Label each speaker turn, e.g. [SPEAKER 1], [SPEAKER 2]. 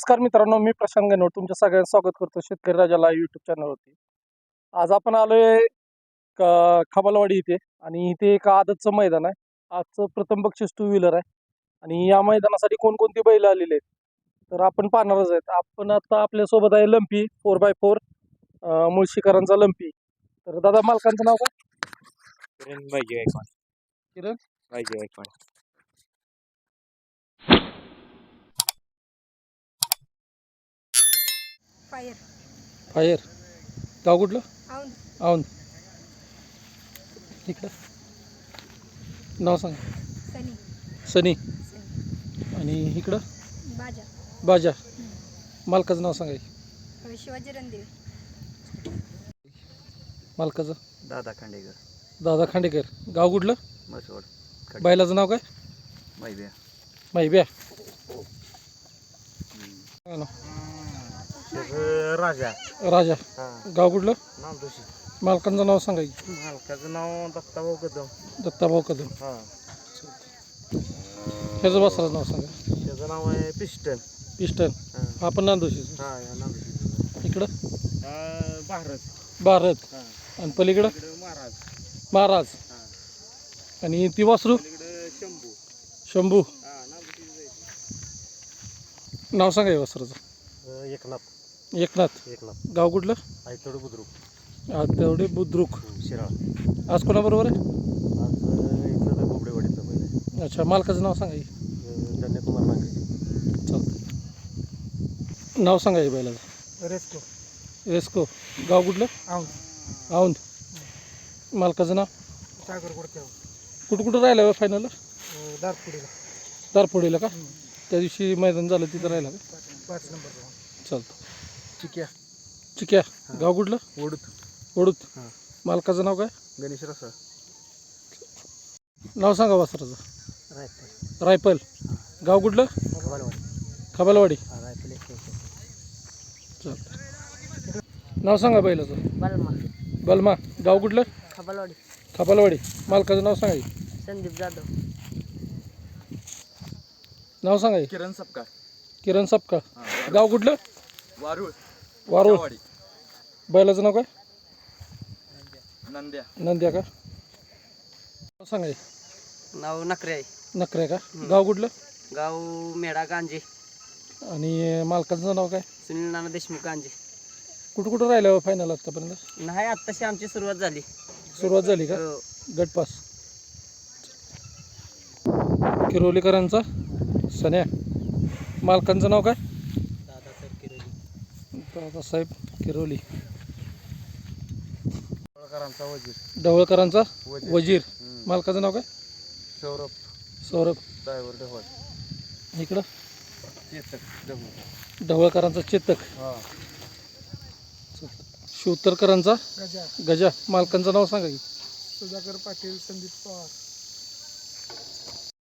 [SPEAKER 1] नमस्कार मित्रांनो, मी प्रशांत गणवट तुमच्या सगळ्यांचं स्वागत करतो शेतकरी राजाला यूट्यूब चॅनलवरती. आज आपण आलोय खबालवाडी इथे आणि इथे एक आदतचं मैदान आहे. आजचं प्रथम बक्षीस 2 व्हीलर आहे आणि या मैदानासाठी कोणकोणती बैल आलेले आहेत तर आपण पाहणारच आहेत. आपण आता आपल्यासोबत आहे लंपी 4x4 मुळशीकरांचा लंपी. तर दादा मालकांचं नाव काय?
[SPEAKER 2] किरण पाहिजे गायकवाड.
[SPEAKER 1] किरण
[SPEAKER 2] पाहिजे गायकवाड.
[SPEAKER 3] Fire
[SPEAKER 1] fire. गाव कुठलं?
[SPEAKER 3] औंध.
[SPEAKER 1] औंध. इकडं नाव सांगा.
[SPEAKER 3] सनी
[SPEAKER 1] सनी.
[SPEAKER 3] सनी
[SPEAKER 1] आणि इकडं
[SPEAKER 3] बाजा
[SPEAKER 1] बाजा. मालकाचं नाव सांगा.
[SPEAKER 3] शिवाजी रणदेव.
[SPEAKER 1] मालकाचं
[SPEAKER 2] दादा खांडेकर.
[SPEAKER 1] दादा खांडेकर. गाव कुठलं?
[SPEAKER 2] मसवड.
[SPEAKER 1] बैलाचं नाव काय?
[SPEAKER 2] मैद्या.
[SPEAKER 1] माहिब्या.
[SPEAKER 2] राजा.
[SPEAKER 1] राजा. गाव कुठलं?
[SPEAKER 2] नामदोशी.
[SPEAKER 1] मालकांचं नाव सांगा की.
[SPEAKER 2] मालकाचं नाव दत्ताभाऊ कदम.
[SPEAKER 1] दत्ताभाऊ कदम.
[SPEAKER 2] हां.
[SPEAKER 1] ह्याचं वासराचं नाव सांगा.
[SPEAKER 2] त्याचं नाव आहे पिस्टन.
[SPEAKER 1] पिस्टन.
[SPEAKER 2] हां.
[SPEAKER 1] आपण नांदोशी.
[SPEAKER 2] हां या नामदोशी.
[SPEAKER 1] इकडं
[SPEAKER 2] भारत.
[SPEAKER 1] भारत.
[SPEAKER 2] हां.
[SPEAKER 1] आणि पलीकडं
[SPEAKER 2] इकडं महाराज.
[SPEAKER 1] महाराज.
[SPEAKER 2] हां.
[SPEAKER 1] आणि ती वासरू
[SPEAKER 2] इकडं शंभू.
[SPEAKER 1] शंभू.
[SPEAKER 2] हां नामदोशी.
[SPEAKER 1] नाव सांगा वासराचं.
[SPEAKER 2] एकनाथ.
[SPEAKER 1] एकनाथ. गाव कुठलं?
[SPEAKER 2] आयतोड बुद्रुक.
[SPEAKER 1] तेवढे बुद्रुक.
[SPEAKER 2] शिराळ.
[SPEAKER 1] आज कोणाबरोबर आहे?
[SPEAKER 2] आज इथलं गोबडेवाडीचं बैल आहे.
[SPEAKER 1] अच्छा. मालकाचं नाव सांगा की.
[SPEAKER 2] धन्यकुमार नांगरे.
[SPEAKER 1] चालतं. नाव सांगा की बैलाचं.
[SPEAKER 3] रेस्को.
[SPEAKER 1] रेस्को. गाव कुठलं?
[SPEAKER 3] औंध.
[SPEAKER 1] औंध. मालकाचं नाव?
[SPEAKER 3] सागर गोडके.
[SPEAKER 1] कुठं राहिलं फायनल?
[SPEAKER 3] दारपुडीला
[SPEAKER 1] दारपोडीला का? त्या दिवशी मैदान झालं तिथं राहिला का?
[SPEAKER 3] 5 नंबर.
[SPEAKER 1] चालतं.
[SPEAKER 2] चिक्या.
[SPEAKER 1] चिक्या. गाव कुठलं?
[SPEAKER 2] ओढूत.
[SPEAKER 1] ओढूत.
[SPEAKER 2] हां.
[SPEAKER 1] मालकाचं नाव काय?
[SPEAKER 2] गणेश रसा.
[SPEAKER 1] नाव सांगा वासराचं.
[SPEAKER 2] रायफल.
[SPEAKER 1] रायफल. गाव कुठलं?
[SPEAKER 2] खबालवाडी.
[SPEAKER 1] खबालवाडी.
[SPEAKER 2] रायफल एक.
[SPEAKER 1] चालतं. नाव सांगा बैलाचं.
[SPEAKER 3] बलमा.
[SPEAKER 1] बलमा. गाव कुठलं?
[SPEAKER 3] खबालवाडी.
[SPEAKER 1] खबालवाडी. मालकाचं नाव सांगा की.
[SPEAKER 3] संदीप जाधव.
[SPEAKER 1] नाव सांगा की.
[SPEAKER 2] किरण सपकाळ.
[SPEAKER 1] किरण सपकाळ. गाव कुठलं?
[SPEAKER 2] वारुळ.
[SPEAKER 1] वारुळ. बैलाचं नाव काय?
[SPEAKER 2] नंद्या.
[SPEAKER 1] नंद्या का? नाव सांगा की.
[SPEAKER 3] नाव नकरे आहे.
[SPEAKER 1] नखरे का? गाव कुठलं?
[SPEAKER 3] गाव मेढा गांजे.
[SPEAKER 1] आणि मालकाचं नाव काय?
[SPEAKER 3] सुनील नाना देशमुख गांजे.
[SPEAKER 1] कुठं राहिलं फायनल आतापर्यंत?
[SPEAKER 3] नाही आत्ताशी आमची सुरुवात झाली.
[SPEAKER 1] सुरुवात झाली का?
[SPEAKER 3] हो.
[SPEAKER 1] गटपास. किरोलीकरांचा सन्या. मालकांचं नाव काय?
[SPEAKER 3] दादासाहेब किरोली.
[SPEAKER 1] दादासाहेब किरोली.
[SPEAKER 2] ढवळकरांचा वजीर.
[SPEAKER 1] ढवळकरांचा
[SPEAKER 2] वजीर.
[SPEAKER 1] वजीर. मालकाचं नाव काय?
[SPEAKER 2] सौरभ.
[SPEAKER 1] सौरभ.
[SPEAKER 2] ड्रायव्हर ढवळ.
[SPEAKER 1] इकडं
[SPEAKER 2] चेतक ढवळ.
[SPEAKER 1] ढवळकरांचा चेतक.
[SPEAKER 2] हां.
[SPEAKER 1] शिवतरकरांचा
[SPEAKER 3] गजा.
[SPEAKER 1] गजा. मालकांचं नाव सांगा की.
[SPEAKER 3] सुधाकर पाटील. संदीप पवार.